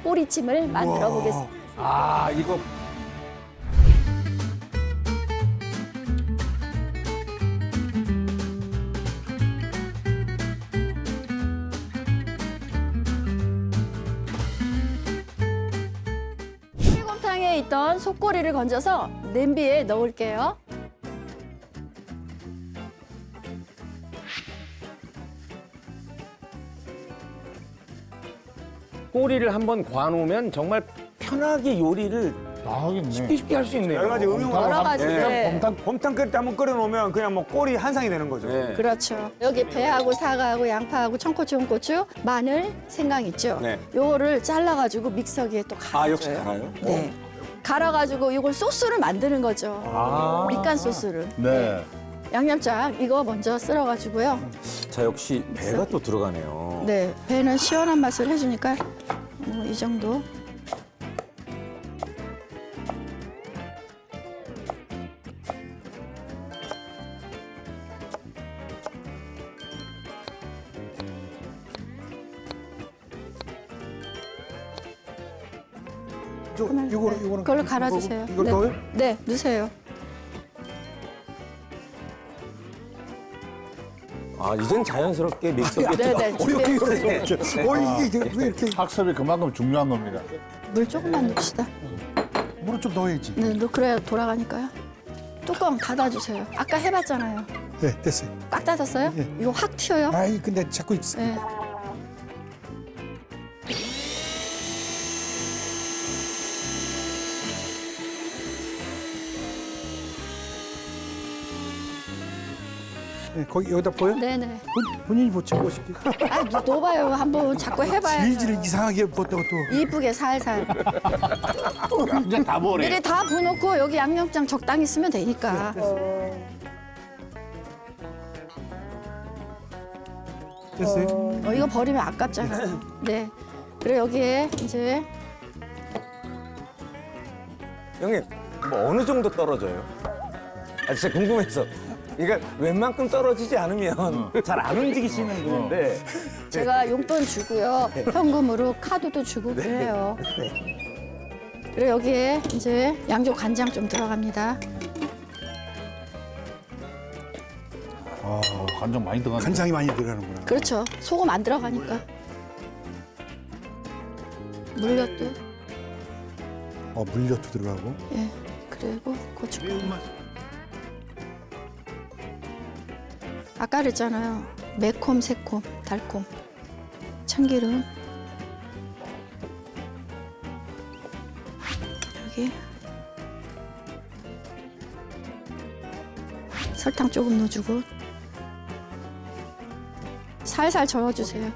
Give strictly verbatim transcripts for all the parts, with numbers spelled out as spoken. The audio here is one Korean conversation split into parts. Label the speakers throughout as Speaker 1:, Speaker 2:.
Speaker 1: 꼬리찜을 만들어 보겠습니다.
Speaker 2: 아, 이거
Speaker 1: 곰탕에 있던 속꼬리를 건져서 냄비에 넣을게요.
Speaker 2: 꼬리를 한번 구워놓으면 정말 편하게 요리를
Speaker 3: 나하겠네.
Speaker 2: 쉽게 쉽게 할 수 있네요.
Speaker 4: 여러 가지 응용을
Speaker 1: 여러 가지. 네.
Speaker 4: 곰탕 곰탕 끓일 때 한번 끓여 놓으면 그냥 뭐 꼬리 한 상이 되는 거죠.
Speaker 2: 네.
Speaker 1: 그렇죠. 여기 배하고 사과하고 양파하고 청고추, 홍고추, 마늘, 생강 있죠.
Speaker 2: 네.
Speaker 1: 요거를 잘라가지고 믹서기에 또 갈아줘요.
Speaker 2: 아, 역시 달아요?
Speaker 1: 네. 갈아가지고 이걸 소스를 만드는 거죠.
Speaker 2: 아.
Speaker 1: 밑간 소스를.
Speaker 3: 네.
Speaker 1: 양념장 이거 먼저 쓸어가지고요.
Speaker 2: 자, 역시 배가 또 들어가네요.
Speaker 1: 네, 배는 시원한 맛을 해주니까 뭐 이 정도.
Speaker 3: 저, 이거는 이거는
Speaker 1: 그걸로 갈아주세요.
Speaker 4: 이걸
Speaker 1: 네.
Speaker 4: 넣어요?
Speaker 1: 네, 넣으세요.
Speaker 2: 아, 이젠 자연스럽게 믹서기에
Speaker 1: 네, 네. 준비.
Speaker 3: 어, 이게 왜 이렇게 학습이 그만큼 중요한 겁니다.
Speaker 1: 물 조금만 넣읍시다.
Speaker 3: 물을 좀 넣어야지.
Speaker 1: 네, 넣 그래야 돌아가니까요. 뚜껑 닫아주세요. 아까 해봤잖아요.
Speaker 3: 네, 됐어요.
Speaker 1: 꽉 닫았어요?
Speaker 3: 네.
Speaker 1: 이거 확 튀어요.
Speaker 3: 아이, 근데 자꾸 있어.
Speaker 1: 네.
Speaker 3: 네, 거기 여기다 보여?
Speaker 1: 네네.
Speaker 3: 본, 본인이 보치고 싶게.
Speaker 1: 아, 넣어봐요. 한번 자꾸 해봐요.
Speaker 3: 질질 이상하게 보다가 또.
Speaker 1: 이쁘게 살살.
Speaker 2: 이제 다 버려.
Speaker 1: 미리 다 부어놓고 여기 양념장 적당히 쓰면 되니까.
Speaker 3: 됐어요?
Speaker 1: 어, 이거 버리면 아깝잖아요. 네. 그리고 여기에 이제
Speaker 2: 형님, 뭐 어느 정도 떨어져요? 아, 진짜 궁금해서. 그러니까 웬만큼 떨어지지 않으면 잘 안 움직이시는 분인데.
Speaker 1: 제가 용돈 주고요. 현금으로 카드도 주고 그래요. 그리고 여기에 이제 양조 간장 좀 들어갑니다.
Speaker 3: 아, 간장 많이 들어가. 간장이 많이 들어가는구나.
Speaker 1: 그렇죠. 소금 안 들어가니까. 물엿도.
Speaker 3: 어, 물엿도 들어가고.
Speaker 1: 예. 그리고 고춧가루. 아까 그랬잖아요. 매콤, 새콤, 달콤. 참기름. 여기. 설탕 조금 넣어주고. 살살 저어주세요.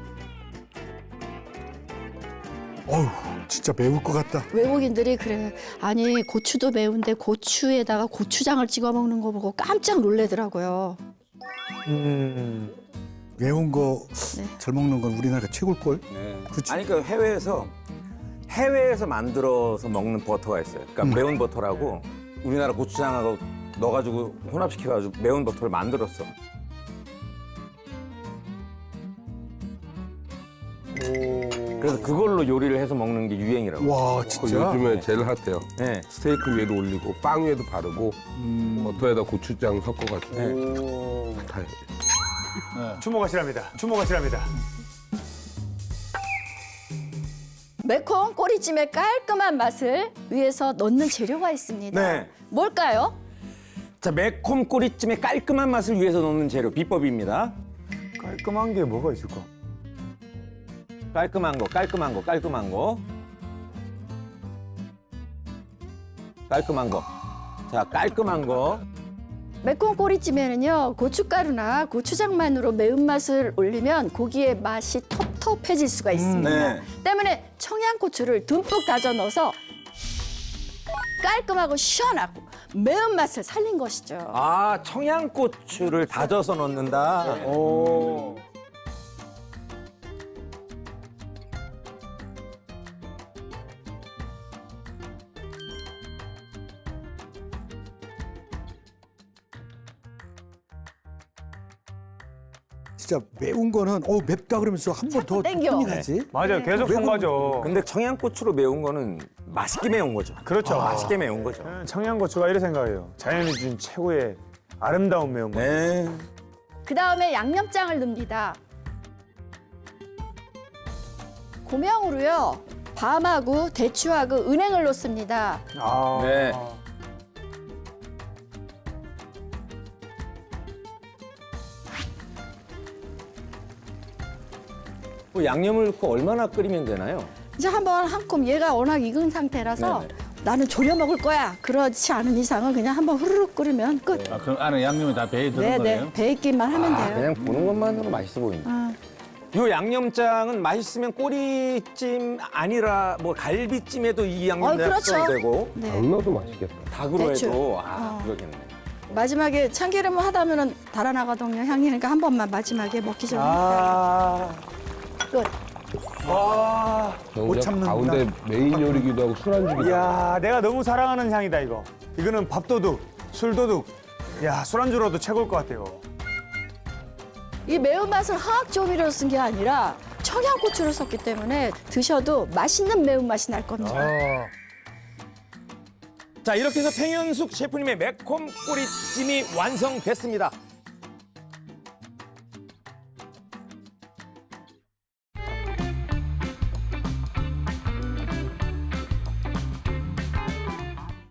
Speaker 3: 어우, 진짜 매울 것 같다.
Speaker 1: 외국인들이 그래. 아니, 고추도 매운데 고추에다가 고추장을 찍어 먹는 거 보고 깜짝 놀래더라고요.
Speaker 4: 음.
Speaker 3: 매운 거
Speaker 1: 네.
Speaker 3: 잘 먹는 건 우리나라가 최고일걸?
Speaker 2: 네.
Speaker 3: 그치.
Speaker 2: 아니, 그 해외에서 해외에서 만들어서 먹는 버터가 있어요. 그러니까 매운 버터라고 우리나라 고추장하고 넣어가지고 혼합시켜가지고 매운 버터를 만들었어. 그래서 그걸로 요리를 해서 먹는 게 유행이라고.
Speaker 3: 와,
Speaker 5: 그
Speaker 3: 진짜?
Speaker 5: 요즘에 제일 핫해요.
Speaker 2: 네.
Speaker 5: 스테이크 위에도 올리고 빵 위에도 바르고 버터에다 고추장 섞어가지고
Speaker 2: 네.
Speaker 5: 다 해요.
Speaker 4: 주목하시랍니다. 주목하시랍니다.
Speaker 1: 매콤 꼬리찜의 깔끔한 맛을 위해서 넣는 재료가 있습니다.
Speaker 2: 네.
Speaker 1: 뭘까요?
Speaker 2: 자, 매콤 꼬리찜의 깔끔한 맛을 위해서 넣는 재료 비법입니다.
Speaker 4: 깔끔한 게 뭐가 있을까?
Speaker 2: 깔끔한 거, 깔끔한 거, 깔끔한 거. 깔끔한 거. 자, 깔끔한 거.
Speaker 1: 매콤 꼬리찜에는요, 고춧가루나 고추장만으로 매운맛을 올리면 고기의 맛이 텁텁해질 수가 있습니다.
Speaker 2: 네.
Speaker 1: 때문에 청양고추를 듬뿍 다져 넣어서 깔끔하고 시원하고 매운맛을 살린 것이죠.
Speaker 2: 아, 청양고추를 다져서 넣는다. 오.
Speaker 6: 진짜 매운 거는 어 맵다 그러면서 한 번 더
Speaker 1: 땡겨.
Speaker 6: 힘이 가지.
Speaker 4: 맞아요.
Speaker 1: 네.
Speaker 4: 계속
Speaker 6: 매운
Speaker 4: 손가죠.
Speaker 2: 근데 청양고추로 매운 거는 맛있게 매운 거죠.
Speaker 4: 그렇죠.
Speaker 2: 맛있게 매운 거죠.
Speaker 4: 저는 청양고추가 이래 생각해요. 자연이 준 최고의 아름다운 매운맛.
Speaker 2: 네.
Speaker 1: 그 다음에 양념장을 넣습니다. 고명으로요. 밤하고 대추하고 은행을 넣습니다.
Speaker 4: 아.
Speaker 2: 네. 뭐 양념을 넣고 얼마나 끓이면 되나요?
Speaker 1: 이제 한번 한 컵 얘가 워낙 익은 상태라서
Speaker 2: 네네.
Speaker 1: 나는 졸여 먹을 거야. 그렇지 않은 이상은 그냥 한번 후루룩 끓이면 끝.
Speaker 3: 아, 그럼 안에 양념이 다 배에 드는
Speaker 1: 네네.
Speaker 3: 거예요?
Speaker 1: 배 있기만 하면
Speaker 2: 아,
Speaker 1: 돼요.
Speaker 2: 그냥 보는 것만으로 맛있어 보인다.
Speaker 1: 아,
Speaker 2: 이 양념장은 맛있으면 꼬리찜 아니라 뭐 갈비찜에도 이
Speaker 1: 어,
Speaker 2: 양념장
Speaker 1: 그렇죠.
Speaker 2: 써도 되고
Speaker 1: 네.
Speaker 5: 안 넣어도 맛있겠다.
Speaker 2: 닭으로
Speaker 1: 대추.
Speaker 2: 해도 아
Speaker 1: 어.
Speaker 2: 그러겠네.
Speaker 1: 마지막에 참기름을 하다면은 달아나가거든요. 향이. 그러니까 한 번만 마지막에 먹기 전에
Speaker 4: 아.
Speaker 1: 끝.
Speaker 4: 와.
Speaker 6: 못
Speaker 5: 정작
Speaker 6: 참는구나.
Speaker 5: 가운데 메인 요리기도 하고 술안주기도 하고.
Speaker 4: 이야, 내가 너무 사랑하는 향이다 이거. 이거는 밥도둑, 술도둑. 야, 술안주로도 최고일 것 같아요.
Speaker 1: 이 매운맛을 화학 조미료로 쓴 게 아니라 청양고추를 썼기 때문에 드셔도 맛있는 매운맛이 날 겁니다.
Speaker 4: 아.
Speaker 2: 자 이렇게 해서 팽현숙 셰프님의 매콤 꼬리찜이 완성됐습니다.